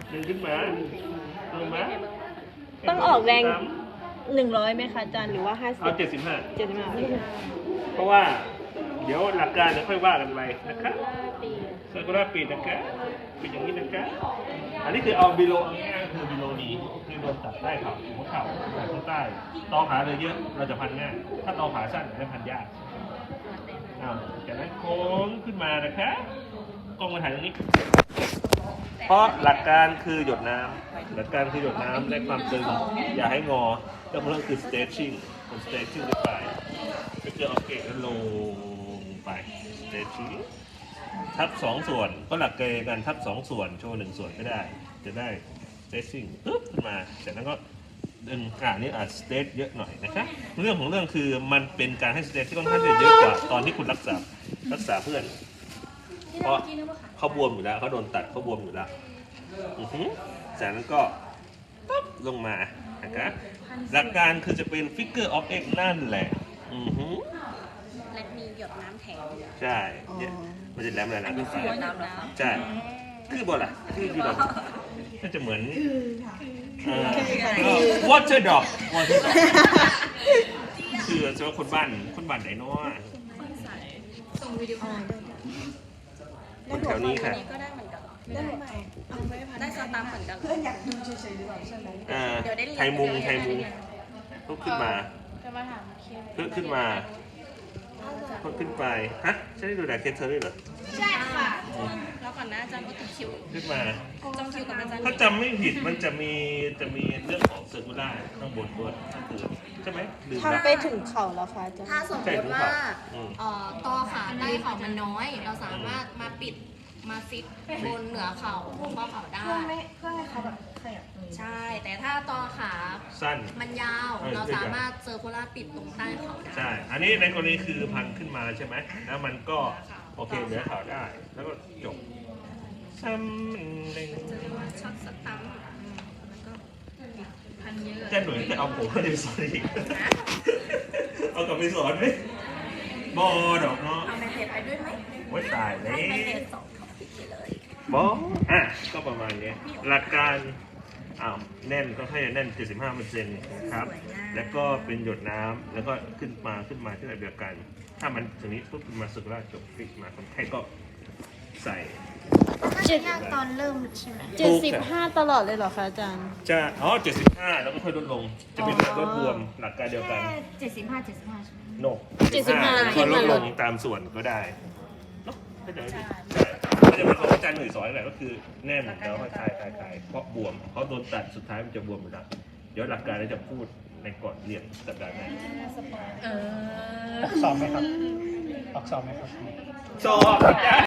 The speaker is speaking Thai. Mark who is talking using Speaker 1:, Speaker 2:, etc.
Speaker 1: ดึงขึ้นมาลงมา
Speaker 2: ต้องออกแรง100ไหมคะอาจารย์หรือว่า50
Speaker 1: เอา75
Speaker 2: 75
Speaker 1: เพราะว่าเดี๋ยวหลักการจะค่อยว่ากันไปนะครับเซอร์คูลาร์ปีนะคะเป็นอย่างนี้นะคะอันนี้คือเอาบิโลเอาง่ายๆคือบิโลนี้คือโดนตัดใต้เข่าหัวเข่าข้างใต้ตอขาเลยเยอะเราจะพันง่ายถ้าตอขาสั้นจะพันยากจากนั้นโค้งขึ้นมานะคะกล้องมาถ่ายตรงนี้เพราะหลักการคือหยดน้ำหลักการคือหยดน้ำและความตึงอย่าให้งอเรื่องคือ stretching เป็น stretching ไปก็คือเอาเกล็ดแล้วลงไป stretching ทับ2ส่วนก็หลักเกณฑ์กันทับ2ส่วนโชว์1ส่วนก็ได้จะได้ stretching ปึ๊บขึ้นมาจากนั้นก็ดึงนี่stretch เยอะหน่อยนะคะเรื่องของเรื่องคือมันเป็นการให้ stretch ที่ค่อนข้างจะเยอะกว่าตอนที่คุณรักษาเพื่อนเพราะเขาบวมอยู่แล้วเขาโดนตัดเขาบวมอยู่แล้วจากนั้นก็ปั๊บลงมานะครับหลักการคือจะเป็น figure of x นั่นแหละ
Speaker 3: และมีหยดน้ำแถม
Speaker 1: ใช่เนี่ยมันจะแหลมอะไรนะขึ้นไป
Speaker 3: หยดน้ำแล้ว
Speaker 1: ใช่คือบอลล่ะคือดอกก็จะเหมือนwater dog คือจะว่าคนบ้านไหนเนาะ
Speaker 3: ส่งวิดีโอ
Speaker 1: คนแถวนี้ค่ะ
Speaker 3: ก็ได้เหมือนกันได้สตาร์เหมือนกัน
Speaker 4: เพื่อนอยากดูเฉยๆหรือเปล่าใช่ไหม
Speaker 1: ไทยมุงลุกขึ้นมาขึ้นมาขึ้นไปฮะใช่ได้ดูแลเคสเธอด้วยเหรอ
Speaker 3: ใช่ค่ะแล้วก่อนนะอาจารย์ก็ติดคิว
Speaker 1: ขึ้นมา
Speaker 3: จองคิวกับอาจารย์
Speaker 1: ถ้าจำไม่ผิดมันจะมีเรื่องของเซอร์คูล่าข้างบนด้วยใช่ไหม
Speaker 2: ทำไปถึงเข่าแล้วค่ะอาจารย์
Speaker 3: ถ้าสมมติว่าตอขาใต้เข่ามันน้อย เราสามารถมาปิดมาฟิตบนเหนือเข่าข้อเข่าได้
Speaker 4: เพื่อให้เขาแบบขยับ
Speaker 3: ใช่แต่ถ้าตอขา
Speaker 1: สั้น
Speaker 3: มันยาวเราสามารถเซอร์คูลาร์ปิดตรงใต้เข่าได้
Speaker 1: ใช่อันนี้ในกรณีคือพันขึ้นมาใช่ไหมแล้วมันก็โอเคเหนือเข่าได้แล้วก็จบซ้ำหนึ่ง
Speaker 3: จะเรียกว่าช็อตสตัมแล้วก็พันเยอะ
Speaker 1: จะหนุ่ยจะเอาผมมาดูสอนอีกเอากลับไปสอนไหมบอดอกเนาะ
Speaker 3: เอาไมเทปไปด้วยไหม
Speaker 1: ว่าตายเลย
Speaker 3: ไมเทป2ท็อปิกเลย
Speaker 1: บอก็ประมาณนี้หลักการแน่นก็ให้แน่น 75%นะครับแล้วก็เป็นหยดน้ำแล้วก็ขึ้นมาที่แบบเดียวกันถ้ามันตรงนี้ปุ๊บมาสึกแล้วจบฟิกมาคนไข้ก็ใส่
Speaker 3: ตอนเริ่มใช่ไหม
Speaker 2: 75ตลอดเลยเหรอคะอาจารย์
Speaker 1: จะ75แล้วก็ค่อยลดลงจะเป็นลดรวมหลักการเดียวกัน
Speaker 3: 75ใช่ไหม
Speaker 1: โน75ก็ลดลงตามส่วนก็ได้เนาะก็จะเป็นของอาจารย์หนุ่ยสอนแหละก็คือแน่นแล้วค่อยคลายเพราะบวมเขาโดนตัดสุดท้ายมันจะบวมอยู่แล้วเดี๋ยวหลักการเราจะพูดในก่อนเรียนสัปดาห์หน้า
Speaker 4: สอบไหมครับออกสอบไหมครับ
Speaker 1: สอบ